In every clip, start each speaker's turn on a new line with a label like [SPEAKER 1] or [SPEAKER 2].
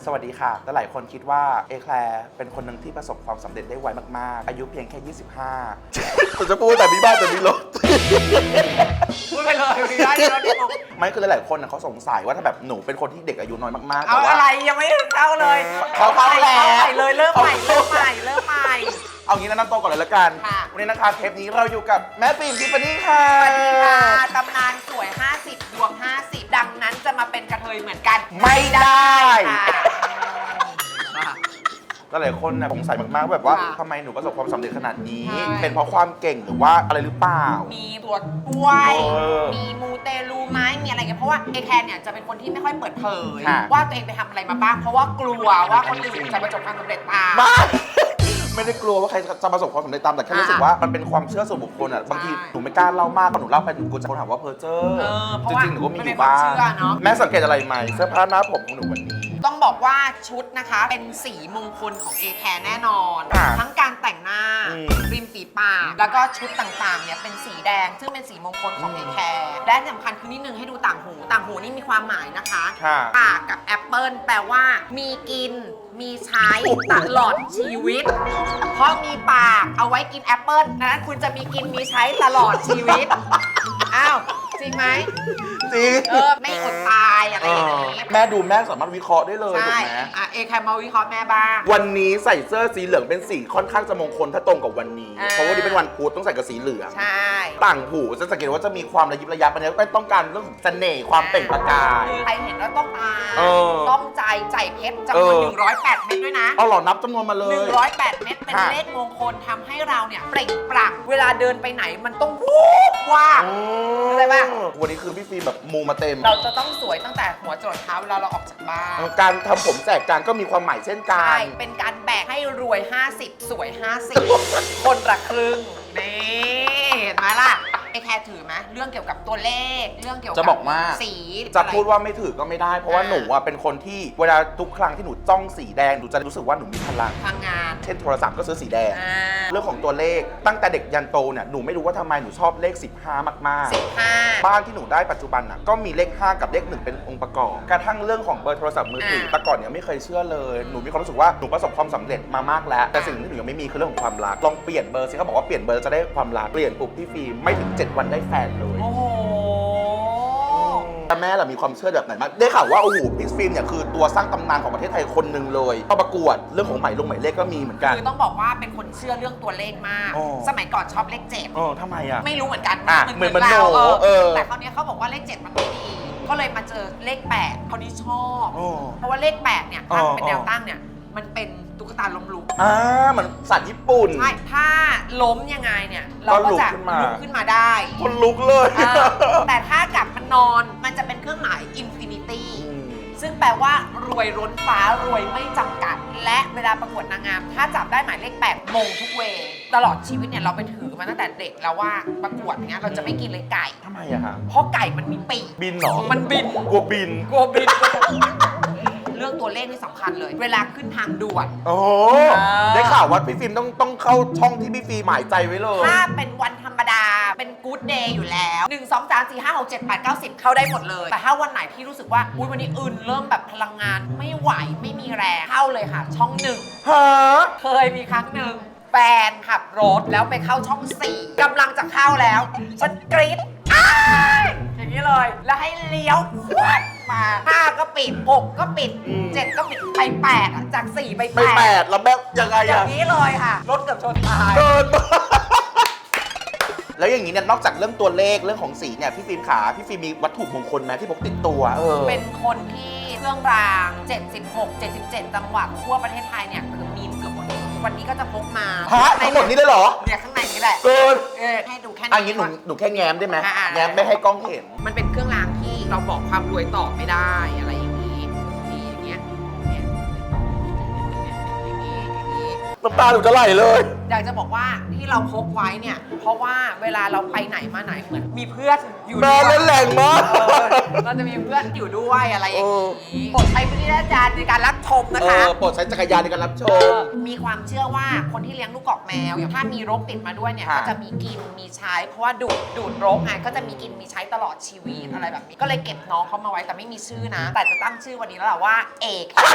[SPEAKER 1] สวัสดีค่ะแต่หลายคนคิดว่าเอแคลร์เป็นคนหนึ่งที่ประสบความสำเร็จได้ไวมากๆอายุเพียงแค่ 25ผมจะพูดแต่มีบ้านแต่มีรถ
[SPEAKER 2] พูดไปเลยมีได้ที่รถที่บอก
[SPEAKER 1] ไม่คือหลายคนเขาสงสัยว่าถ้าแบบหนูเป็นคนที่เด็กอายุน้อยมากๆ
[SPEAKER 2] เอา
[SPEAKER 1] แต่ว่า
[SPEAKER 2] อะไรยังไม่เข้าเลย
[SPEAKER 1] เขาเข้าแล้ว
[SPEAKER 2] เลยเริ่มใหม่เริ่มใหม่เริ่มใหม่
[SPEAKER 1] เอางี้แนะนำตัวก่อนเลยละกัน
[SPEAKER 2] ค่ะ
[SPEAKER 1] วันนี้นะคะเทปนี้เราอยู่กับแม่ปิ่มทิฟฟานี่ค่ะ
[SPEAKER 2] สวัสดีค่ะตำนานสวย 50 ดวง 50 ดังนั้นจะมาเป็นกระเทยเหมือนกัน
[SPEAKER 1] ไม่ได้
[SPEAKER 2] ค่ะ
[SPEAKER 1] ก็หลายคนสงสัยมากๆแบบว่า
[SPEAKER 2] ค่ะ
[SPEAKER 1] ทำไมหนูประสบความสำเร็จขนาดนี้
[SPEAKER 2] ใช่
[SPEAKER 1] เป็นเพราะความเก่งหรือว่าอะไรหรือเปล่า
[SPEAKER 2] มีตรวจป่วย มีมูเตลูไหมมีอะไรเงี้ยเพราะว่าเอแคนเนี่ยจะเป็นคนที่ไม่ค่อยเปิดเผย
[SPEAKER 1] ค่ะ
[SPEAKER 2] ว่าตัวเองไปทำอะไรมาบ้าง เพราะว่ากลัวว่าคนอื่นจะประสบความสำเร็จตาม
[SPEAKER 1] ไม่ได้กลัวว่าใครจะประสบความสำเร็จตามแต่แค่
[SPEAKER 2] ค่ะ
[SPEAKER 1] รู้สึกว่ามันเป็นความเชื่อส่วนบุคคลอ่ะบางที
[SPEAKER 2] ใช่
[SPEAKER 1] หนูไม่กล้าเล่ามากพอหนูเล่าไปหนูกลัวจะคนถามว่าเพอเจอร์
[SPEAKER 2] เพราะ
[SPEAKER 1] จ
[SPEAKER 2] ว่า
[SPEAKER 1] ริงๆหนูก็มี
[SPEAKER 2] มัน
[SPEAKER 1] อ
[SPEAKER 2] เป็น
[SPEAKER 1] ยู่บ้าง
[SPEAKER 2] ความเชื่อเนอะ
[SPEAKER 1] แม่สังเกตอะไรไหมเสื้อผ้าหน้าผมของหนูวันนี้
[SPEAKER 2] ต้องบอกว่าชุดนะคะเป็นสีมงคลของ A Care แน่นอน
[SPEAKER 1] ค่ะ
[SPEAKER 2] ทั้งการแต่งหน้า
[SPEAKER 1] อืม
[SPEAKER 2] ริมฝีปากแล้วก็ชุดต่างๆเนี่ยเป็นสีแดง ซึ่งเป็นสีมงคลของ A Care และที่สำคัญคือนิดนึงให้ดูต่างหูต่างหูนี่มีความหมายนะคะ
[SPEAKER 1] ค่ะ
[SPEAKER 2] ปากกับแอปเปิลแปลว่ามีกินมีใช้ตลอดชีวิต เพราะมีปากเอาไว้กินแอปเปิลนั้นคุณจะมีกินมีใช้ตลอดชีวิตอ้าวจริงไหม
[SPEAKER 1] จริง
[SPEAKER 2] ไม่อดตายอะไรอย่างนี้
[SPEAKER 1] แม่ดูแม่สามารถวิเคราะห์ได้เลยถูก
[SPEAKER 2] ใช่
[SPEAKER 1] ไหม
[SPEAKER 2] เอแคร์มาวิเคราะห์แม่บ้าง
[SPEAKER 1] วันนี้ใส่เสื้อสีเหลืองเป็นสีค่อนข้างจะมงคลถ้าตรงกับวันนี้
[SPEAKER 2] อ่า
[SPEAKER 1] เพราะว่าวันนี้เป็นวันพุธต้องใส่กับสีเหลือง
[SPEAKER 2] ใช่
[SPEAKER 1] ต่างหูจะสังเกตว่าจะมีความระยิบระยับอันนี้ก็ต้องการเรื่องของเสน่ห์ความเปล่งประกาย
[SPEAKER 2] ใครเห็นแล้วต้องตา
[SPEAKER 1] เออ
[SPEAKER 2] ต้องใจเพชรจำนวน 108 เม็ดด้วยนะ
[SPEAKER 1] เอาหล่อนับจำนวนมาเลย
[SPEAKER 2] 108 เม็ดเป็น
[SPEAKER 1] ค่ะ
[SPEAKER 2] เลขมงคลทำให้เราเนี่ยเปล่งปลั่งเวลาเดินไปไหนมันต้องวูบว่าบ เข้าใจปะ
[SPEAKER 1] วันนี้คือพี่ฟิล์มแบบมูมาเต็ม
[SPEAKER 2] เราจะต้องสวยตั้งแต่หัวจรดเท้าเวลาเราออกจากบ้าน
[SPEAKER 1] การทำผมแจกการก็มีความหมายเช่นกั
[SPEAKER 2] ใช่
[SPEAKER 1] น
[SPEAKER 2] เป็นการแบกให้รวย 50 สวย 50 คนละครึ่งนี่เห็นไหมล่ะไอแคร์ถือไหมเรื่องเกี่ยวกับตัวเลขเรื่องเกี่ยวกั
[SPEAKER 1] จะบอกว่า
[SPEAKER 2] สี
[SPEAKER 1] จะ
[SPEAKER 2] อไร
[SPEAKER 1] พูดว่าไม่ถือก็ไม่ได้ เพราะว่า
[SPEAKER 2] อ่า
[SPEAKER 1] หนูอะเป็นคนที่เวลาทุกครั้งที่หนูจ้องสีแดงหนูจะรู้สึกว่าหนูมีพลัง
[SPEAKER 2] ทางงาน
[SPEAKER 1] เช่นโทรศัพท์ก็ซื้อสีแดง
[SPEAKER 2] อ่า
[SPEAKER 1] เรื่องของตัวเลขตั้งแต่เด็กยันโตเนี่ยหนูไม่รู้ว่าทำไมหนูชอบเลข 15 มากๆ
[SPEAKER 2] 15
[SPEAKER 1] บ้านที่หนูได้ปัจจุบันน่ะก็มีเลข 5 กับเลข 1 เป็นองค์ประกอบ กระทั่งเรื่องของเบอร์โทรศัพท์มือถือแต่ก่อนเนี่ยไม่เคยเชื่อเลย หนูมีความรู้สึกว่าหนูประสบความสำเร็จมามากแล้ว แต่สิ่งที่หนูยังไม่มีคือเรื่องของความรัก ลองเปลี่ยนเบอร์สิเขาบอกว่าเปลี่ยนเบอร์จะได้ความรัก เปลี่ยนปุ๊บพี่ฟิล์มไม่ถึง 7 วันได้แฟนเลย
[SPEAKER 2] โอ้โห
[SPEAKER 1] แต่แม่ล่ะมีความเชื่อแบบไหนบ้างได้ข่าวว่าโอ้โหพี่ฟิล์มเนี่ยคือตัวสร้างตำนานของประเทศไทยคนหนึ่งเลยเข้าประกวดเรื่องของหมายเลขก็มีเหมือนกัน
[SPEAKER 2] คือต้องบอกว่าเป็นคนเชื่อเรื่องตัวเลขมาก
[SPEAKER 1] อ๋อ
[SPEAKER 2] สมัยก่อนชอบเลข
[SPEAKER 1] ทำไมอ่ะ
[SPEAKER 2] 7 ไม่รู้เหมือนกัน
[SPEAKER 1] อ่ะ
[SPEAKER 2] เหมือน
[SPEAKER 1] เหมือน
[SPEAKER 2] เรา
[SPEAKER 1] หนูเออ
[SPEAKER 2] แต่คราวนี้เขาบอกว่าเลข 7 มันไม่ดี ก็เลยมาเจอเลข 8คราวนี้ชอบ
[SPEAKER 1] อ๋อ
[SPEAKER 2] เพราะว่าเลข 8 เนี่ย
[SPEAKER 1] อ๋อ
[SPEAKER 2] ถ้าเป็นแนวตั้งเนี่ย มันเป็นตุ๊กตาล้มลุก
[SPEAKER 1] เหมือนสัตว์ญี่ปุ่น
[SPEAKER 2] ใช่ ถ้าล้มยังไงเนี่ย เราก็จะ
[SPEAKER 1] ก็ลุกขึ้นมา
[SPEAKER 2] ลุกขึ้นมาได้
[SPEAKER 1] คนลุกเลย
[SPEAKER 2] เออแต่ถ้ากลับมันนอน มันจะเป็นเครื่องหมายอินฟินิตี้ ซึ่งแปลว่ารวยล้นฟ้ารวยไม่จำกัด และเวลาประกวดนางงาม ถ้าจับได้หมายเลข 8 มงทุกเวย์ตลอดชีวิตเนี่ยเราไปถือมาตั้งแต่เด็กแล้วว่าประกวดเนี้ยเราจะไม่กินเลยไก่
[SPEAKER 1] ทำไมอะฮะ
[SPEAKER 2] เพราะไก่มันมีปีก
[SPEAKER 1] บินเหรอ
[SPEAKER 2] มันบิน
[SPEAKER 1] กลัวบิน
[SPEAKER 2] กลัวบิน เรื่องตัวเลขนี่สำคัญเลย เวลาขึ้นทางด่วน
[SPEAKER 1] โอ้
[SPEAKER 2] อ่า
[SPEAKER 1] ได้ข่าวว่าพี่ฟิล์มต้องเข้าช่องที่พี่ฟิล์มหมายใจไว้เลย
[SPEAKER 2] ถ้าเป็นวันธรรมดาเป็นกู๊ดเดย์อยู่แล้ว 1 2 3 4 5 6 7 8 9 10 เข้าได้หมดเลย แต่ถ้าวันไหนที่รู้สึกว่าอุ๊ยวันนี้อื่นเริ่มแบบพลังงานไม่ไหวไม่มีแรงเข้าเลยค่ะ ช่อง 1
[SPEAKER 1] ฮะ
[SPEAKER 2] เคยมีครั้งหนึ่งแฟนขับรถแล้วไปเข้าช่อง 4กำลังจะเข้าแล้ว ฉันกรี๊ดอ้ายอย่างนี้เลย แล้วให้เลี้ยวฟวดมา5ก็ปิด6ก็ปิด 7 ก็ปิดไป8อ่ะจาก 4 ไป
[SPEAKER 1] ไปแปดแล้วแบบยังไง
[SPEAKER 2] อย่า
[SPEAKER 1] อะ
[SPEAKER 2] งนี้เลยค่ะ รถเกือบชนตาย
[SPEAKER 1] เกินมากแล้วอย่างนี้เนี่ยนอกจากเรื่องตัวเลขเรื่องของสีเนี่ยพี่ฟิล์มขาพี่ฟิล์มมีวัตถุมงคลไหมที่พกติดตัว
[SPEAKER 2] เป็นคนที่เครื่องราง 76 77 จังหวัดทั่วประเทศไทยเนี่ยคือมีเกือบหมดเลยวันนี้ก็จะพกมา
[SPEAKER 1] ฮะทั้งหมดนี้เลยเหรอ
[SPEAKER 2] เนี่ยข้างในนี้แหละ
[SPEAKER 1] เกิน
[SPEAKER 2] ให้ดูแค่
[SPEAKER 1] อันนี้
[SPEAKER 2] นี้
[SPEAKER 1] หนูแค่แง้มได้ไหม
[SPEAKER 2] อ่าๆ
[SPEAKER 1] แง้มไม่ให้กล้องเห็น
[SPEAKER 2] มันเป็นเครื่องรางที่เราบอกความรวยต่อไม่ได้อะไรอย่างนี้นี่อย่างเงี้ยเนี่ยอย่างนี้
[SPEAKER 1] น้ำตาหนูจะไหลเลย
[SPEAKER 2] อยากจะบอกว่าที่เราพกไว้เนี่ยเพราะว่าเวลาเราไปไหนมาไหนเหมือนมีเพื่อนอยู่
[SPEAKER 1] แม่
[SPEAKER 2] ด้วย
[SPEAKER 1] เล่นแรงมาก
[SPEAKER 2] เราจะมีเพื่อนอยู่ด้วยอะไรอย่างนี้โปรดใช้วิจารณญาณในการรับชมนะคะ
[SPEAKER 1] โปรดใช้จักรยานในการรับชม
[SPEAKER 2] มีความเชื่อว่าคนที่เลี้ยงลูกกอกแมวถ้ามีรกติดมาด้วยเนี่ย
[SPEAKER 1] ค่ะ
[SPEAKER 2] ก็จะมีกินมีใช้เพราะว่าดูดรกไงก็จะมีกินมีใช้ตลอดชีวิตอะไรแบบนี้ก็เลยเก็บน้องเขามาไว้แต่ไม่มีชื่อนะ แต่จะตั้งชื่อวันนี้แล้วแหละว่าเอก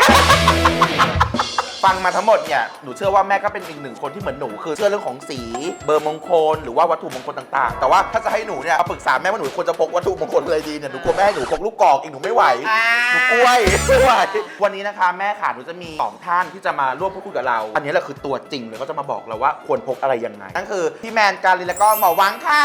[SPEAKER 1] ฟังมาทั้งหมดเนี่ยหนูเชื่อว่าแม่ก็เป็นอีกหนึ่งคนที่เหมือนหนูคือเชื่อเรื่องของสีเบอร์มงคลหรือว่าวัตถุมงคลต่างๆ แต่ว่าถ้าจะให้หนูเนี่ยเอาปรึกษาแม่ว่าหนูควรจะพกวัตถุมงคลอะไรดีเนี่ยหนูกลัวแม่ให้หนูพกลูกกอกอีกหนูไม่ไหว หนูกล้วยไม่ไหววันนี้นะคะแม่ค่ะหนูจะมี2ท่านที่จะมาร่วมพูดคุยกับเรา อันนี้แหละคือตัวจริงเลยเขาจะมาบอกเราว่าควรพกอะไรยังไงนั่นคือพี่แมนการินแล้วก็หมอวังค่ะ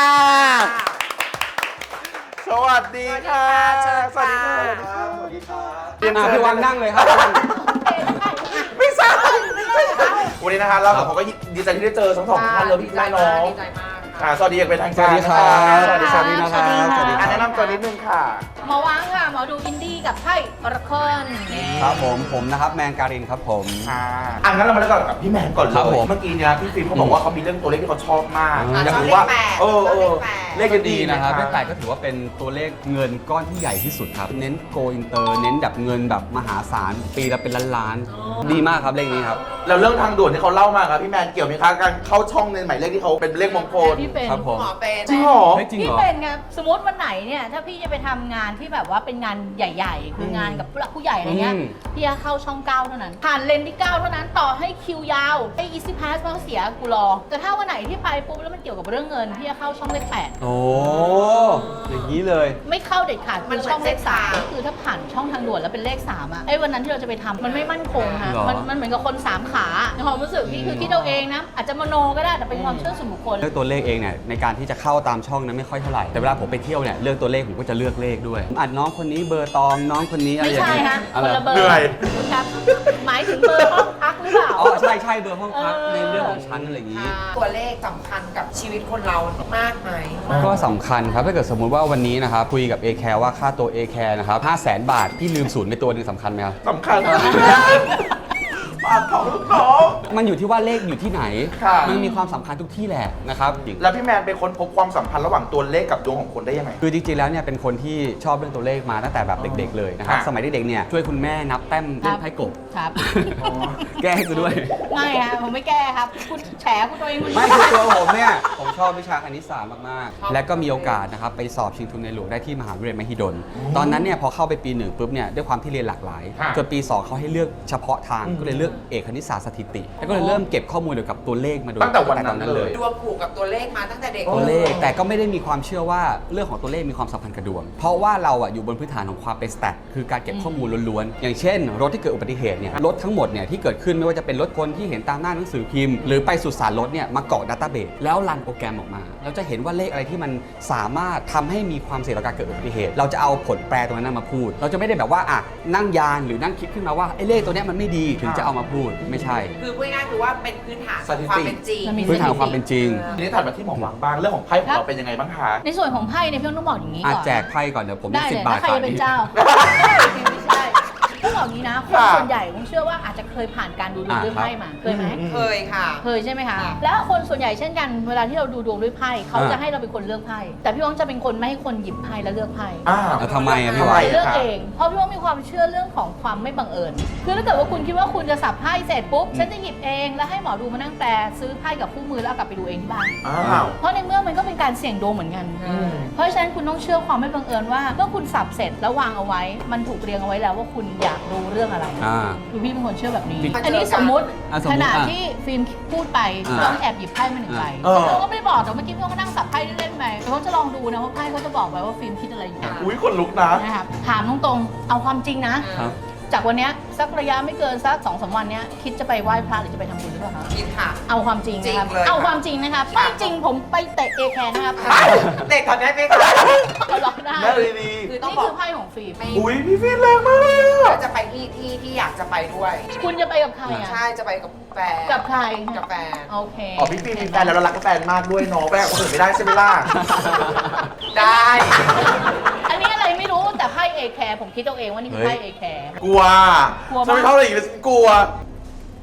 [SPEAKER 1] สวัสดีค่ะ
[SPEAKER 2] สวัสดีค่ะ
[SPEAKER 1] สวัสดีค่ะ
[SPEAKER 3] พี่วังนั่งเลยครับ
[SPEAKER 1] ไม่ใช่วันนี้นะคะเราสองคนก็ดีใจที่ได้เจอทั้งสองท่านเลยพี่แม่น้อง
[SPEAKER 2] ดีใจมาก
[SPEAKER 1] สวัสดีอย่างเป็นทาง
[SPEAKER 3] ส
[SPEAKER 1] การ
[SPEAKER 3] วัสดีครับ
[SPEAKER 1] สวัสดีครับ
[SPEAKER 3] สวัสดีนะครับ
[SPEAKER 4] สวัสดีค่ะ
[SPEAKER 1] แนะนำตัวนิดนึงค่ะ
[SPEAKER 4] หมอวังค่ะ หมอดูอินดี้กับไพ่ออร์เคิล
[SPEAKER 3] ครับผมนะครับแมนการินครับผม
[SPEAKER 1] งั้นเรามาเริ่มกันกับพี่แมนก่อนเล
[SPEAKER 3] ครับผ
[SPEAKER 1] ย
[SPEAKER 3] ม
[SPEAKER 1] เมื่อกี้เนี่ยพี่ฟิล์มเขาบอกว่าเขามีเรื่องตัวเลขที่เขาชอบมาก
[SPEAKER 3] อ่า
[SPEAKER 1] อยากรู้ว่า
[SPEAKER 2] ชอบเลขแปด
[SPEAKER 1] เลข
[SPEAKER 3] ก็
[SPEAKER 1] ดี
[SPEAKER 3] ดีนะครับ
[SPEAKER 1] ไหม
[SPEAKER 3] เลข8ก็ถือว่าเป็นตัวเลขเงินก้อนที่ใหญ่ที่สุดครับ เน้นโกอินเตอร์เน้นแบบเงินแบบมหาศาลปีละเป็นล้านๆดีมากครับเลขนี้ครับ
[SPEAKER 1] แล้วเรื่องทางด่วนที่เขาเล่ามาครับพี่แมนเกี่ยวไหมคะการเข้าช่องในหมายเลขที่เขาเป็นเลขมงคล
[SPEAKER 4] พี่เป็น
[SPEAKER 3] ครับผม
[SPEAKER 2] หมอเป็น
[SPEAKER 1] จริงเหรอ
[SPEAKER 3] เฮ้ยจริง
[SPEAKER 4] พี่
[SPEAKER 3] เหรอ
[SPEAKER 4] เป็นไงสมมติวันไหนเนี่ยถ้าพี่จะไปทำงานที่แบบว่าเป็นงานใหญ่ๆ คืองานกับผู้หลักผู้ใหญ่อะไรเงี้ย
[SPEAKER 3] อืม
[SPEAKER 4] พี่จะเข้าช่อง 9 เท่านั้น ผ่านเลนที่ 9 เท่านั้นต่อให้คิวยาวไอ้ Easy Pass มันก็เสียกูรอ แต่ถ้าวันไหนที่ไปปุ๊บแล้วมันเกี่ยวกับเรื่องเงินพี่จะเข้าช่องเลข
[SPEAKER 3] โอ้อย่างนี้เลย
[SPEAKER 4] 8ไม่เข้าเด็ดขาดคือช่องเลข3ก็คือถ้าผ่านช่องทางด่วนแล้วเป็นเลข3อ่ะไอ้วันนั้นที่เราจะไปทำมันไม่มั่นคงค่ะ
[SPEAKER 3] เหรอ
[SPEAKER 4] มันเหมือนกับคน3ขาในความรู้สึกพี่คือคิดเอาเองนะอาจจะมโนก็ได้แต่เป็นความเชื่อส่วนบุคคล
[SPEAKER 3] เลือกตัวเลขเองเนี่ยในการที่จะเข้าตามช่องนั้นไม่ค่อยเท่าไหร่ แต่เวลาผมไปเที่ยวเนี่ยเลือกตัวเลขผมก็จะเลือกเลขด้วยอัดน้องคนนี้เบอร์ตองน้องคนนี้อะไร
[SPEAKER 4] ไม่
[SPEAKER 3] อย่าง
[SPEAKER 4] ใช่
[SPEAKER 3] เงี้ย
[SPEAKER 4] ฮะ
[SPEAKER 3] อะ
[SPEAKER 4] ค
[SPEAKER 3] ไร
[SPEAKER 4] นละเบอร์
[SPEAKER 1] เหนื่อย
[SPEAKER 4] คุณครับ หมายถึงเบอร์ห้องพักหรือเปล่า
[SPEAKER 3] อ๋อใช่เบอร์ห้องพัก
[SPEAKER 4] เออ
[SPEAKER 3] ในเรื่องของชั้นอะไรอย่างนี้
[SPEAKER 2] ตัวเลขสำคัญกับชีวิตคนเรามากไหม
[SPEAKER 3] ก็สำคัญครับถ้าเกิดสมมุติว่าวันนี้นะครับคุยกับ A Care ว่าค่าตัว A Care นะครับ500,000 บาทพี่ลืมศูนย์ไปตัวหนึงสำคัญไหมครับ
[SPEAKER 1] สำคัญมากปากของลูกน้อง
[SPEAKER 3] มันอยู่ที่ว่าเลขอยู่ที่ไหน
[SPEAKER 1] ค่ะ
[SPEAKER 3] มันมีความสำคัญทุกที่แหละนะครับ
[SPEAKER 1] แล้วพี่แมนเป็นคนพบความสัมพันธ์ระหว่างตัวเลขกับดวงของคนได้ยังไง
[SPEAKER 3] คือจริงๆแล้วเนี่ยเป็นคนที่ชอบเรื่องตัวเลขมาตั้งแต่แบบเด็กๆเลยนะครับ
[SPEAKER 1] ค่ะ
[SPEAKER 3] สมัยเด็กๆเนี่ยช่วยคุณแม่นับแต้มเล่นไพ่กบ
[SPEAKER 4] ครับ
[SPEAKER 3] แก้ให้กูด้วย
[SPEAKER 4] ไม่ฮะผมไม่แก้ครับ คุณแฉคุณตัวเองคุณ
[SPEAKER 3] ไม่คือตัวผมเนี่ย ผมชอบวิชาคณิตศาสตร์มากๆ และก็มีโอกาสนะครับไปสอบชิงทุนในหลวงได้ที่มหาวิทยาลัยมหิดล ตอนนั้นเนี่ยพอเข้าไปปี 1ปุ๊บเนี่ยด้วยความที่เรียนหลากหลาย
[SPEAKER 1] ค่ะ
[SPEAKER 3] จนปี 2เขาให้เลือกเฉพาะทางก็เลยเลือกเอกคณิตศาสตร์สถิติ แล้วก็เลยเริ่มเก็บข้อมูลเกี่ยวกับตัวเลขมาโดย
[SPEAKER 1] ตั้งแต่วันนั้นเลย
[SPEAKER 2] ดวงผูกกับตัวเลขมาตั้งแต่เด็ก
[SPEAKER 3] ตัวเลขแต่ก็ไม่ได้มีความเชื่อว่าเรื่องของตัวเลขมีความสัมพันธ์กับดวง เพราะว่าเราอะอยู่บนพื้นฐานของความเป็นสแตทคือการเก็บข้อมูลล้วนๆ อย่างเช่น รถที่เกิดอุบัติเหตุเนี่ยรถทั้งหมดเนี่ยที่เกิดขึ้นไม่ว่าจะเป็นรถคนที่เห็นตามหน้าหนังสือพิมพ์หรือไปสุสานรถเนี่ยมาเกาะดัตต้าเบสแล้วรันโปรแกรมออกมาเราจะเห็นว่าเลขอะไรที่มันสามารถทำให้มีความเสี่ยงต่อการเกิดอุบัติเหตุ เราจะเอาผลแปรตรงนั้นมาพูด เราจะไม่ได้แบบว่าอ่ะนั่งยานหรือนั่งคิดขึ้นมาว่าไอ้เลขตัวเนี้ยมันไม่ดีถึงจะเอามาพูดไม่ใช่
[SPEAKER 2] คือพูดง่ายๆคือว่าเป็นพื้นฐาน
[SPEAKER 1] สถิติ
[SPEAKER 2] ความเป็นจริง
[SPEAKER 4] มันมี
[SPEAKER 3] พื้นฐานของความเป็นจริง
[SPEAKER 1] ทีนี้ถัดมาที่หมอหวังบ้างเรื่องของไพ่ของเราเป็นยังไงบ้างคะ
[SPEAKER 4] ในส่วนของไพ่เนี่ยพี่ต้องบอกอย่างนี้
[SPEAKER 3] อา
[SPEAKER 4] ก่อน
[SPEAKER 3] แจกไพ่ก่อนเดี๋ยวผม
[SPEAKER 4] ได้
[SPEAKER 3] มี
[SPEAKER 4] เลย
[SPEAKER 3] 10 บา
[SPEAKER 4] ถ้า
[SPEAKER 3] ท
[SPEAKER 4] ใคร
[SPEAKER 3] ฝาก
[SPEAKER 4] จะเป็น
[SPEAKER 3] นี่
[SPEAKER 4] เจ้าไม่ใช่ต้องบอกอย่างนี้นะคน
[SPEAKER 1] ค่ะ
[SPEAKER 4] ส่วนใหญ่ผมเชื่อว่าอาจจะเคยผ่านการดูดวงด้วยไพ่มาเคยไหม
[SPEAKER 2] เคยค่ะ
[SPEAKER 4] เคยใช่ไหมคะ
[SPEAKER 2] ค่ะ
[SPEAKER 4] แล้วคนส่วนใหญ่เช่นกันเวลาที่เราดูดวงด้วยไพ่เขา
[SPEAKER 3] อ่า
[SPEAKER 4] จะให้เราเป็นคนเลือกไพ่แต่พี่วังจะเป็นคนไม่ให้คนหยิบไพ่แล้วเลือกไพ่
[SPEAKER 3] แล้วทำไมอะพี่
[SPEAKER 1] ทำ
[SPEAKER 3] วา
[SPEAKER 1] ไม
[SPEAKER 3] ย
[SPEAKER 4] เลือกเอง เพราะพี่ว่ามีความเชื่อเรื่องของความไม่บังเอิญ คือถ้าเกิดว่าคุณคิดว่าคุณจะสับไพ่เสร็จปุ๊บ ฉันจะหยิบเอง แล้วให้หมอดูมานั่งแปลซื้อไพ่กับคู่มือแล้วเอากลับไปดูเองที่บ้าน
[SPEAKER 1] อ้าว
[SPEAKER 4] เพราะในเมื่อมันก็เป็นการเสี่ยงดวงเหมือนกัน เพราะฉะนั้นคุณต้องเชื่อความไม่บังเอิญว่าเมื่อคุณสับเสร็จแล้ววางเอาไว้ มันถูกเรียงเอาไว้แล้วว่าคุณอยากรู้เรื่องอะไร คือพี่เป็นคนเชื่อแบบนี้
[SPEAKER 2] มัน
[SPEAKER 4] อันนี้สมมติ
[SPEAKER 3] สมมุติ
[SPEAKER 4] ขณะที่ฟิล์มพูดไป
[SPEAKER 3] อ่า
[SPEAKER 4] ต้องแอบหยิบไพ่มาหนึ่งใบ
[SPEAKER 1] เออ
[SPEAKER 4] เขาก็ไม่ได้บอกแต่เมื่อกี้พี่ก็นั่งสับไพ่เล่นๆไปเขาจะลองดูนะว่าไพ่เขาจะบอกไว้ว่าฟิล์มคิดอะไรอยู่
[SPEAKER 1] อุ้ยคนลุกนะ
[SPEAKER 4] นะครับถามตรงๆ เอาความจริงนะ
[SPEAKER 3] ครับ
[SPEAKER 4] จากวันเนี้ยสักระยะไม่เกินสัก2-3 วันเนี้ยคิดจะไปไหว้พระหรือจะไปทำบุญหรือเปล่าคะ
[SPEAKER 2] คิดค่ะ
[SPEAKER 4] เอาความจริงนะครับ
[SPEAKER 2] จริงเลย
[SPEAKER 4] เอาความจริงนะครับ
[SPEAKER 2] ค่ะ
[SPEAKER 4] ไม่จริงผมไปเตะเอแคร์นะครับ
[SPEAKER 2] เด็กตอนนี้ไม่ค่ะ
[SPEAKER 4] เขาล็อกได้
[SPEAKER 1] แม่เลยดี
[SPEAKER 2] คือต้อง
[SPEAKER 4] นี่
[SPEAKER 2] บอ
[SPEAKER 4] คื
[SPEAKER 2] ก
[SPEAKER 4] อไพ่ของฟิล์ม
[SPEAKER 2] ไม่
[SPEAKER 1] อุ้ยพี่ฟิล์มแรงมากเลยอะ
[SPEAKER 2] จะไปที่อยากจะไปด้วย
[SPEAKER 4] คุณจะไปกับใครอ่ะ
[SPEAKER 2] ใช่จะไปกับแฟน
[SPEAKER 4] กับใคร
[SPEAKER 2] กับแฟน
[SPEAKER 4] โอเค
[SPEAKER 1] อ๋อพี่ฟิล์มมีแฟนแล้วเรารักแฟนมากด้วยเนาะไปกับคนอื่นไม่ได้ใช่ไหมล่ะ
[SPEAKER 2] ได้
[SPEAKER 4] อันนี้อะไรไม่รู้แต่ไพ่เอแคร์ผมคิดเอาเองว่านี่คือไพ่เอแคร์
[SPEAKER 1] กลัว
[SPEAKER 4] กลัวมาก
[SPEAKER 1] ฉันไม่เท่าไหร่อีกเลยฉันกลัว
[SPEAKER 4] 5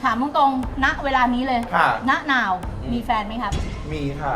[SPEAKER 4] ถามตรงๆณเวลานี้เลย
[SPEAKER 1] ค่ะ
[SPEAKER 4] ณนาวมีแฟนไหมครับ
[SPEAKER 1] มีค่ะ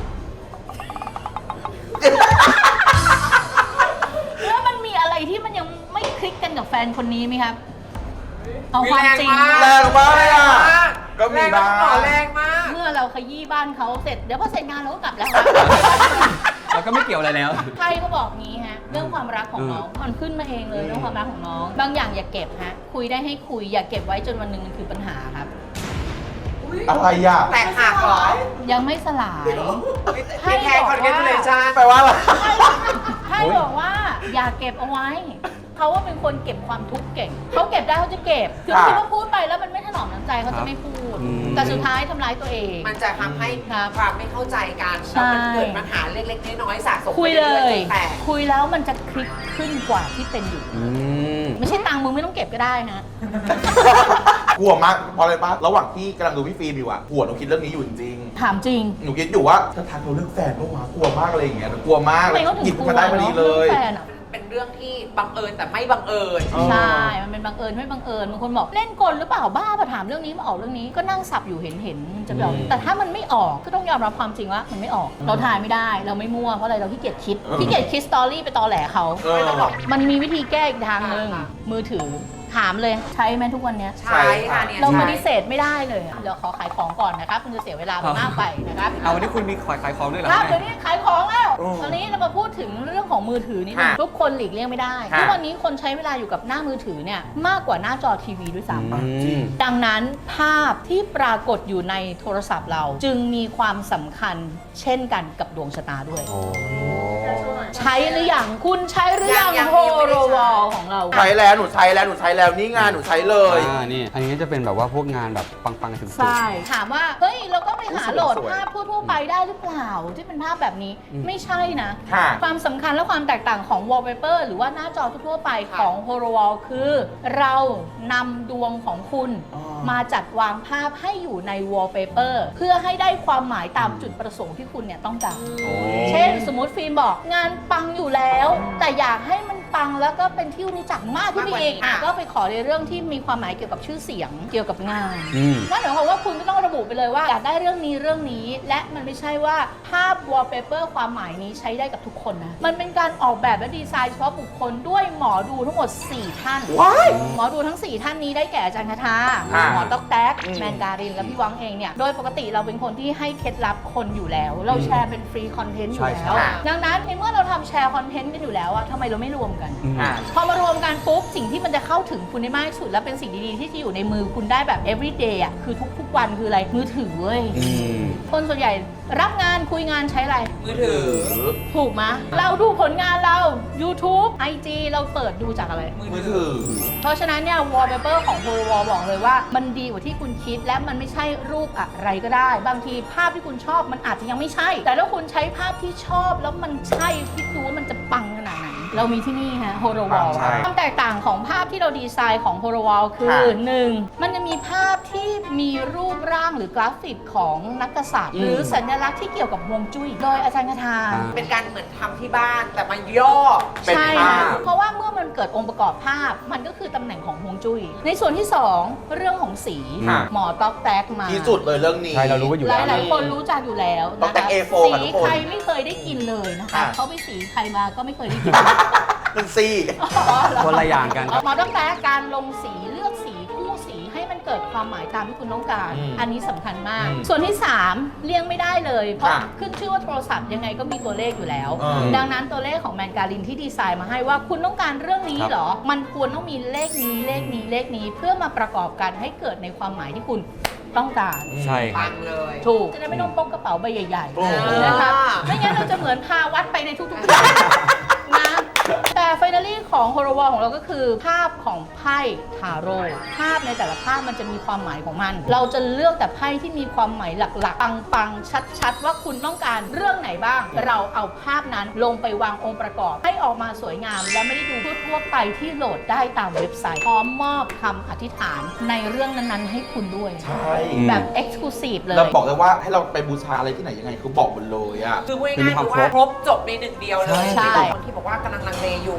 [SPEAKER 4] แล้วมันมีอะไรที่มันยังไม่คลิกกันกับแฟนคนนี้ไหมครับ เอาความจริง
[SPEAKER 2] มี
[SPEAKER 1] แรงมากเลยอะก็มีบ้าง
[SPEAKER 2] แรงมาก
[SPEAKER 4] เมื่อเราขยี้บ้านเขาเสร็จ เดี๋ยวพอเสร็จงานเราก็กลับแล้วครับ
[SPEAKER 3] แล้วก็ไม่เกี่ยวอะไรแล้ว
[SPEAKER 4] ใครก็บอกงี้ฮะ เรื่องความรักของน้องมันขึ้นมาเองเลยเรื่องความรักของน้อง บางอย่างอย่าเก็บฮะ คุยได้ให้คุย อย่าเก็บไว้จนวันหนึ่งมันคือปัญหาครับ
[SPEAKER 1] อะไรอ่ะ
[SPEAKER 2] แตกหักเหรอ
[SPEAKER 4] ยังไม่สลาย
[SPEAKER 2] ให้แค่คอนเทนต์เลยจ้า
[SPEAKER 1] แปลว่าอะไร
[SPEAKER 4] ให้บอกว่าอย่าเก็บเอาไว้ เขาว่าเป็นคนเก็บความทุกข์เก่ง เขาเก็บได้เขาจะเก็บ คือ
[SPEAKER 1] ค่ะ
[SPEAKER 4] คิดว่าพูดไปแล้วมันไม่ถนอมน้ำใจเขาจะไม่พูด
[SPEAKER 3] อืม
[SPEAKER 4] แต่สุดท้ายทำร้ายตัวเอง
[SPEAKER 2] มันจะทำให้
[SPEAKER 4] ครับ
[SPEAKER 2] ความไม่เข้าใจกัน
[SPEAKER 4] ใช่
[SPEAKER 2] แล้วมันเกิดปัญหาเล็กๆน้อยๆสะสม
[SPEAKER 4] คุย
[SPEAKER 2] ไป
[SPEAKER 4] เล
[SPEAKER 2] รื่อย
[SPEAKER 4] ย
[SPEAKER 2] ๆจนแตก
[SPEAKER 4] คุยแล้วมันจะคลิกขึ้นกว่าที่เป็นอยู่
[SPEAKER 3] อืม
[SPEAKER 4] ไม่ใช่ตังค์มึงไม่ต้องเก็บก็ได้ฮะ
[SPEAKER 1] กลัวมากเพราะอะไรปะระหว่างที่กำลังดูพี่ฟิล์มอยู่อะหัวหนูคิดเรื่องนี้อยู่จริง
[SPEAKER 4] ถามจริง
[SPEAKER 1] ๆหนูคิดอยู่ว่าจะทักเราเรื่องแฟนปะวะกลัวมากอะไรอย่างเงี้ยหนูกลัวมาก
[SPEAKER 4] ทำไมเขาถึง
[SPEAKER 1] หยิบ
[SPEAKER 4] กลัว
[SPEAKER 1] มาได้พอดีเลย
[SPEAKER 4] เรื่องแฟนอะ
[SPEAKER 2] เป็นเรื่องที่บังเอิญแต่ไม่บังเอิญ
[SPEAKER 4] ใช่ มันเป็นบังเอิญไม่บังเอิญบางคนบอกเล่นกลหรือเปล่าบ้ามาถามเรื่องนี้มาออกเรื่องนี้ก็นั่งสับอยู่เห็นจะไปออก
[SPEAKER 3] อืม
[SPEAKER 4] แต่ถ้ามันไม่ออกก็ต้องยอมรับความจริงว่ามันไม่ออก เราถ่ายไม่ได้เราไม่มั่วเพราะอะไรเราขี้เกียจคิด
[SPEAKER 1] เออ
[SPEAKER 4] ขี้เกียจคิดสตอรี่ไปตอแหลเขา
[SPEAKER 1] เออ
[SPEAKER 2] ไม่ต้องหรอก
[SPEAKER 4] มันมีวิธีแก้อีกทางหนึ่ง
[SPEAKER 2] ค่ะ
[SPEAKER 4] มือถือถามเลยใช้ไหมทุกวันเนี้ย
[SPEAKER 2] ใช่ค่ะเนี่ย
[SPEAKER 4] เราป
[SPEAKER 2] ใช่
[SPEAKER 4] ฏิเสธไม่ได้เลยอะเดี๋ยวขอขายของก่อนนะครับคุณจะเสียเวลาไปมากไปนะครับ
[SPEAKER 3] เอาวันนี้คุณมีขายของด้วยเหรอ
[SPEAKER 4] ครับ
[SPEAKER 3] แม่
[SPEAKER 4] เดี๋ยวนี้ขายของแล้ว
[SPEAKER 1] อืม
[SPEAKER 4] ตอนนี้เรามาพูดถึงเรื่องของมือถือนิดนึง
[SPEAKER 1] ค่ะ
[SPEAKER 4] ทุกคนหลีกเลี่ยงไม่ได้
[SPEAKER 1] ค่ะ
[SPEAKER 4] ทุกวันนี้คนใช้เวลาอยู่กับหน้ามือถือเนี่ยมากกว่าหน้าจอทีวีด้วยซ้ำ
[SPEAKER 3] อืม
[SPEAKER 4] ดังนั้นภาพที่ปรากฏอยู่ในโทรศัพท์เรา จึงมีความสำคัญเช่นกันกับดวงชะตาด้วย
[SPEAKER 3] โอ้
[SPEAKER 4] ใช้หรือยังคุณใช้หรือยัง
[SPEAKER 2] ยัง
[SPEAKER 4] โฮ
[SPEAKER 2] ยังไม่ได้
[SPEAKER 4] โร
[SPEAKER 2] ใช้
[SPEAKER 4] วอลของเรา
[SPEAKER 1] ใช้แล้วหนูใช้แล้วหนูใช้แล้วนี่งานหนูใช้เลย
[SPEAKER 3] นี่ อันนี้จะเป็นแบบว่าพวกงานแบบปังๆถึง
[SPEAKER 4] ใช่ถามว่าเฮ้ยเราก็ไปหาโหลด
[SPEAKER 1] สวยๆ
[SPEAKER 4] ภาพทั่วๆไปได้หรือเปล่า ที่เป็นภาพแบบนี้
[SPEAKER 3] อืม
[SPEAKER 4] ไม่ใช่นะ
[SPEAKER 1] ค่ะ
[SPEAKER 4] ความสำคัญและความแตกต่างของ wallpaper หรือว่าหน้าจอทั่วๆไปของ h o r o w a l คือ เรานำดวงของคุณ
[SPEAKER 1] อ๋อ
[SPEAKER 4] มาจัดวางภาพให้อยู่ใน wallpaper เพื่อให้ได้ความหมายตามจุดประสงค์ที่คุณเนี่ยต้องการ
[SPEAKER 3] โอ้
[SPEAKER 4] เช่นสมมติฟิล์มบอกงานปังอยู่แล้ว แต่อยากให้มันปังแล้วก็เป็นที่รู้จักมากขึ้นไปอีก
[SPEAKER 2] มากกว่านี้
[SPEAKER 4] ก็ไปขอในเรื่องที่มีความหมายเกี่ยวกับชื่อเสียงเกี่ยวกับงาน
[SPEAKER 3] อืม
[SPEAKER 4] นั่นหมายความว่าคุณก็ต้องระบุไปเลยว่าอยากได้เรื่องนี้ และมันไม่ใช่ว่าภาพ wallpaper ความหมายนี้ใช้ได้กับทุกคนนะ มันเป็นการออกแบบและดีไซน์เฉพาะบุคคลด้วยหมอดูทั้งหมด 4 ท่าน
[SPEAKER 1] ว้าย
[SPEAKER 4] หมอดูทั้ง 4 ท่านนี้ได้แก่อาจารย์คาทา
[SPEAKER 1] ค่ะ
[SPEAKER 4] หมอต๊อกแต๊ก
[SPEAKER 1] อืม
[SPEAKER 4] แมนการิน และพี่วังเองเนี่ย โดยปกติเราเป็นคนที่ให้เคล็ดลับคนอยู่แล้ว เราแชร์เป็นฟรีคอนเทนต์อยู่
[SPEAKER 3] ใช่
[SPEAKER 4] แล้ว
[SPEAKER 1] ค่ะ
[SPEAKER 4] ดังนั้นในเมื่อเราทำแชร์คอนเทนต์กันอยู่แล้วอะทำไมเราไม่รวมกัน
[SPEAKER 3] อืม
[SPEAKER 1] อ่ะ
[SPEAKER 4] พอมารวมกันปุ๊บสิ่งที่มันจะเข้าถึงคุณได้มากที่สุด และเป็นสิ่งดีๆที่จะอยู่ในมือคุณได้แบบ everyday อ่ะคือทุกๆวันคืออะไรมือถือเว้ย
[SPEAKER 3] อืม
[SPEAKER 4] คนส่วนใหญ่รับงานคุยงานใช้อะไร
[SPEAKER 2] มือถือ
[SPEAKER 4] ถูกไหมเราดูผลงานเรา YouTube IG เราเปิดดูจากอะไร
[SPEAKER 1] มือถือ
[SPEAKER 4] เพราะฉะนั้นเนี่ย wallpaper ของ h o r o w a l บอกเลยว่ามันดีกว่าที่คุณคิดและมันไม่ใช่รูปอะไรก็ได้ บางทีภาพที่คุณชอบมันอาจจะยังไม่ใช่ แต่ถ้าคุณใช้ภาพที่ชอบแล้วมันใช่คิดดูว่ามันจะปังขนาดไหนเรามีที่นี่ฮะ h o r o w a l
[SPEAKER 1] ใช่
[SPEAKER 4] ความแตกต่างของภาพที่เราดีไซน์ของ h o r o w a l คือ
[SPEAKER 1] ค่ะ
[SPEAKER 4] 1. มันจะมีภาพที่มีรูปร่างหรือกราฟิกของนักกษัตริย์ หรือสัญลักษณ์ที่เกี่ยวกับฮวงจุ้ยโดยอาจารย์คาทา
[SPEAKER 3] อ่า
[SPEAKER 2] เป็นการเหมือนทำที่บ้านแต่มาย่อ
[SPEAKER 1] เป็น
[SPEAKER 4] ใช่
[SPEAKER 1] ภา
[SPEAKER 4] ค่ะ
[SPEAKER 1] พ
[SPEAKER 4] เพราะว่าเมื่อมันเกิดองค์ประกอบภาพ มันก็คือตำแหน่งของฮวงจุ้ย ในส่วนที่ 2 เรื่องของสี
[SPEAKER 1] ค่ะ
[SPEAKER 4] หมอต๊อกแต๊กมา
[SPEAKER 1] ที่สุดเลยเรื่องนี้
[SPEAKER 3] ใช่เรารู้กันอยู่
[SPEAKER 4] ห
[SPEAKER 3] แล้ว
[SPEAKER 4] ลายๆคนรู้จักอยู่แล้ว
[SPEAKER 1] ต๊อก
[SPEAKER 4] นะ
[SPEAKER 1] แต๊ก
[SPEAKER 4] คะ
[SPEAKER 1] A4 ค่ะทุ
[SPEAKER 4] สี
[SPEAKER 1] กคน
[SPEAKER 4] ใครไม่เคยได้กินเลยนะคะ
[SPEAKER 1] ค่ะ
[SPEAKER 4] เขาไปสีใครมาก็ไม่เคยได้กิน
[SPEAKER 1] เป็นซี่
[SPEAKER 3] คนละอย่างกันครับ
[SPEAKER 4] หมอต๊อกแต๊กการลงสีเลือกสีคู่สีให้มันเกิดความหมายตามที่คุณต้องการ
[SPEAKER 1] อืม
[SPEAKER 4] อันนี้สำคัญมาก
[SPEAKER 1] อืม
[SPEAKER 4] ส่วนที่ 3 เลี่ยงไม่ได้เลย เพราะ
[SPEAKER 1] ค่ะ
[SPEAKER 4] ขึ้นชื่อว่าโทรศัพท์ยังไงก็มีตัวเลขอยู่แล้ว
[SPEAKER 1] อืม
[SPEAKER 4] ดังนั้นตัวเลขของแมนการินที่ดีไซน์มาให้ว่าคุณต้องการเรื่องนี้
[SPEAKER 3] ครับ
[SPEAKER 4] เหรอ มันควรต้องมีเลขนี้เลขนี้เลขนี้เพื่อมาประกอบกันให้เกิดในความหมายที่คุณต้องการ
[SPEAKER 3] ใช่ค
[SPEAKER 2] ปั
[SPEAKER 3] รับ
[SPEAKER 2] งเลย
[SPEAKER 4] ถูกจะได้ไม่ต้องพกกระเป๋าใบใหญ่
[SPEAKER 1] โอ้โห
[SPEAKER 4] ๆนะคะไม่งั้นเราจะเหมือนพาวัดไปในทุกๆที่นะแต่ไฟนาลี่ของโฮโรวอลของเราก็คือภาพของไพ่ทาโร่ภาพในแต่ละภาพมันจะมีความหมายของมัน เราจะเลือกแต่ไพ่ที่มีความหมายหลักๆปังๆชัดๆ ว่าคุณต้องการเรื่องไหนบ้าง เราเอาภาพนั้นลงไปวางองค์ประกอบ ให้ออกมาสวยงาม และไม่ได้ดูทั่วๆไปที่โหลดได้ตามเว็บไซต์พร้อมมอบคำอธิษฐานในเรื่องนั้นๆ ให้คุณด้วย
[SPEAKER 1] ใช่
[SPEAKER 4] แบบ Exclusive เลย
[SPEAKER 1] เราบอกเลยว่าให้เราไปบูชาอะไรที่ไหนยังไงคือบอกหมดเลยอ่ะ
[SPEAKER 2] คือพูด
[SPEAKER 3] มี
[SPEAKER 2] ง่ายๆ
[SPEAKER 3] ความ
[SPEAKER 2] คือว่า
[SPEAKER 3] ครบ
[SPEAKER 2] ครบจบในหนึ่งเดียวเลย
[SPEAKER 3] ใช่
[SPEAKER 4] ใช่
[SPEAKER 2] คนที่บอกว่ากำลังลังเลอยู่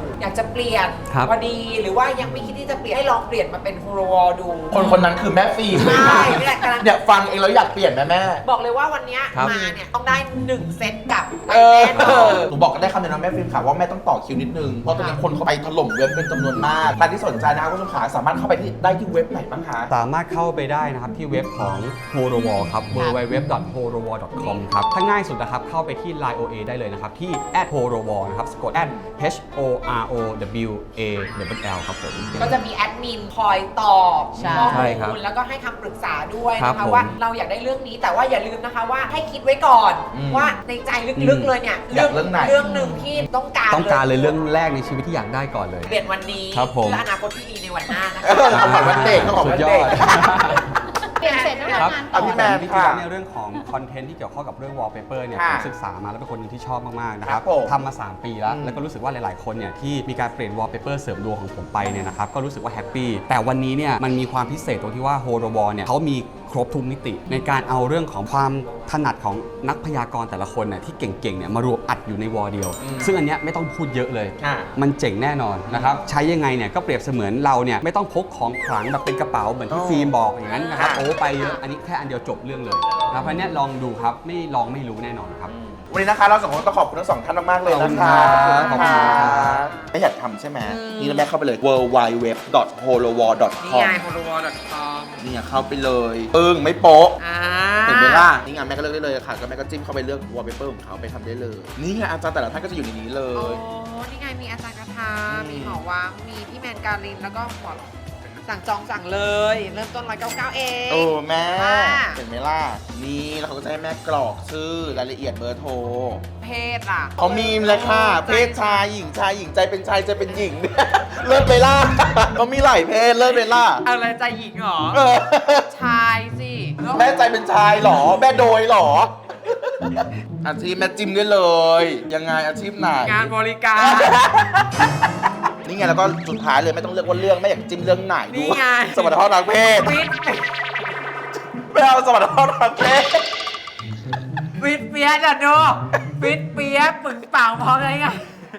[SPEAKER 2] อยากจะเปลี่ยน
[SPEAKER 3] ครับ
[SPEAKER 2] พอดีหรือว่ายังไม่คิดที่จะเปลี่ยนให้ลองเปลี่ยนมาเป็นโฮโลวอลดู
[SPEAKER 1] คนนั้นคือแม่ฟิล์มเลย
[SPEAKER 2] ใช่
[SPEAKER 1] ค่ะ
[SPEAKER 2] นี่แหละกำลัง
[SPEAKER 1] เนี่ยฟังเองแล้วอยากเปลี่ยนแม่
[SPEAKER 2] บอกเลยว่าวันเนี้ย
[SPEAKER 3] ครับ
[SPEAKER 2] มาเนี่ยต้องได้1เซตกลับไป
[SPEAKER 1] เออ
[SPEAKER 2] แน่นอน
[SPEAKER 1] หนูบอกกันได้คำเดียวนะแม่ฟิล์มค่ะว่าแม่ต้องต่อคิวนิดนึง เพราะตอนนี้คนเขาไปถล่มเว็บเป็นจำนวนมากใครที่สนใจนะคะคุณผู้ชมขาสามารถเข้าไปที่ได้ที่เว็บไหนบ้างคะ
[SPEAKER 3] สามารถเข้าไปได้นะครับที่เว็บของ h o r o w a l ครับ www.horowall.com ครับถ้าง่ายสุดนะครับเข้าไปที่ Line OA ได้เลยนะครับที่ @horowall นะครับสะกด @HOROWALL ครับผม
[SPEAKER 2] ก็จะมีแอดมินคอยตอบ
[SPEAKER 4] ใช่
[SPEAKER 2] ข้อ
[SPEAKER 3] ใช่ครับ
[SPEAKER 2] มูลแล้วก็ให้คำปรึกษาด้วย
[SPEAKER 3] ครั
[SPEAKER 2] นะ
[SPEAKER 3] บ
[SPEAKER 2] คะ
[SPEAKER 3] ผม
[SPEAKER 2] ว่าเราอยากได้เรื่องนี้แต่ว่าอย่าลืมนะคะว่าให้คิดไว้ก่อน
[SPEAKER 1] อืม
[SPEAKER 2] ว่าในใจลึกๆเลยเนี่ย
[SPEAKER 1] อยากเรื่องไหน
[SPEAKER 2] เรื่องหนึ่งที่ต้องการ
[SPEAKER 3] ต้องการเลยเรื่องแรกในชีวิตที่อยากได้ก่อนเลย
[SPEAKER 2] เปลี่ยนวันนี้
[SPEAKER 3] ครับผม
[SPEAKER 2] เพื่ออนาคตที่ดีในวันหน้านะ
[SPEAKER 1] เออ
[SPEAKER 2] คะ
[SPEAKER 1] ขอบวันเด็กขอบ
[SPEAKER 3] สุ
[SPEAKER 1] วั
[SPEAKER 3] ด
[SPEAKER 1] น
[SPEAKER 3] ยอ
[SPEAKER 1] เด็ก
[SPEAKER 3] ด
[SPEAKER 4] เปลี่ยนเสร็จแล้ว
[SPEAKER 3] ครับ
[SPEAKER 4] ทำงาน
[SPEAKER 1] อ่ะพี่แมน
[SPEAKER 3] จริงๆ
[SPEAKER 1] ค่ะ
[SPEAKER 3] แล้วเนี่ยเรื่องของคอนเทนต์ที่เกี่ยวข้องกับเรื่อง wallpaper เนี่ย
[SPEAKER 1] ค่ะ
[SPEAKER 3] ผมศึกษามาแล้วเป็นคนหนึงที่ชอบมากๆนะครับ
[SPEAKER 1] ครับผม
[SPEAKER 3] ทำมา 3 ปีแล้ว
[SPEAKER 1] อืม
[SPEAKER 3] แล้วก็รู้สึกว่าหลายๆคนเนี่ยที่มีการเปลี่ยน wallpaper เสริมดวงของผมไปเนี่ยนะครับก็รู้สึกว่าแฮปปี้แต่วันนี้เนี่ยมันมีความพิเศษตรงที่ว่า h o r o w a l เนี่ยเขามีครบทุกมิติ ในการเอาเรื่องของความถนัดของนักพยากรณ์แต่ละคนเนี่ยที่เก่งๆเนี่ยมารวมอัดอยู่ในวอลเดียว
[SPEAKER 1] อืม
[SPEAKER 3] ซึ่งอันเนี้ยไม่ต้องพูดเยอะเลย
[SPEAKER 1] ค่ะ
[SPEAKER 3] มันเจ๋งแน่นอนนะครับใช้ยังไงเนี่ยก็เปรียบเสมือนเราเนี่ยไม่ต้องพกของขลังแบบเป็นกระเป๋าเหมือนที่
[SPEAKER 1] อ๋อ
[SPEAKER 3] ฟิล์มบอกอย่างนั้นนะครับ
[SPEAKER 1] ค่ะ
[SPEAKER 3] โอ้ไปเยอะอันนี้แค่อันเดียวจบเรื่องเลยนะครับเพราะฉะนั้นลองดูครับไม่ลองไม่รู้แน่นอนครับ
[SPEAKER 1] วันนี้นะคะเราสองคนต้องขอบคุณทั้งสองท่านมากๆเลยนะคะ
[SPEAKER 3] ขอบคุณครับ
[SPEAKER 1] ไม่อยากทำใช่ไหม
[SPEAKER 2] อืม
[SPEAKER 1] นี่แม่เข้าไปเลย worldwideweb.holowall.com
[SPEAKER 2] นี่ไง holowall.com
[SPEAKER 1] นี่ไงเข้าไปเลยไม่โป๊ะ
[SPEAKER 2] อ่า
[SPEAKER 1] เห็นไหมล่ะ นี่ไงแม่ก็เลือกได้เลยค่ะก็แม่ก็จิ้มเข้าไปเลือก wallpaper ของเขาไปทำได้เลย นี่ไงอาจารย์แต่ละท่านก็จะอยู่ในนี้เล
[SPEAKER 2] โอ้
[SPEAKER 1] ย
[SPEAKER 2] นี่ไงมีอาจารย์คาทา
[SPEAKER 1] อืม
[SPEAKER 2] มีหมอวังมีพี่แมนการินแล้วก็หมอสั่งจองสั่งเลย เริ่มต้น199เอง
[SPEAKER 1] โอ้แม่
[SPEAKER 2] ค่ะ
[SPEAKER 1] เห็นไหมล่ะ นี่แล้วเขาก็จะให้แม่กรอกชื่อรายละเอียดเบอร์โทร
[SPEAKER 2] เพศล่ะ
[SPEAKER 1] เขามีเลยค่ะ เพศชายหญิงชายหญิงใจเป็นชายใจเป็นหญิง เลิศไปล่ะเขามีหลายเพศเลิศไปล่ะ
[SPEAKER 2] อะไรใจหญิงเหรอ
[SPEAKER 1] เออ
[SPEAKER 2] ชายสิ
[SPEAKER 1] แม่ใจเป็นชายเหรอ แม่โดยเหรอ อาชีพแม่จิ้มได้เลย ยังไงอาชีพไหน
[SPEAKER 2] งานบริการ
[SPEAKER 1] นี่ไงแล้วก็สุดท้ายเลยไม่ต้องเลือกว่าเรื่องแม่อยากจิ้มเรื่องไหน
[SPEAKER 2] นี่
[SPEAKER 1] ดู
[SPEAKER 2] ไง
[SPEAKER 1] สมรรถภาพทางเพศ
[SPEAKER 2] ฟิต
[SPEAKER 1] ไม่เอาสมรรถภาพทางเพศ
[SPEAKER 2] ฟิตเปียจ้ะดูฟิตเปียปึงเป่าพร้อมอะไรเงี้ย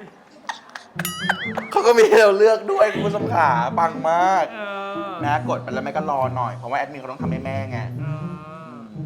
[SPEAKER 1] เขาก็มีให้เราเลือกด้วยคุณผู้ชมขาปังมาก
[SPEAKER 2] เออ
[SPEAKER 1] นะกดไปแล้วแม่ก็รอหน่อยเพราะว่าแอดมินเขาต้องทำให้แม่ไง
[SPEAKER 2] เออ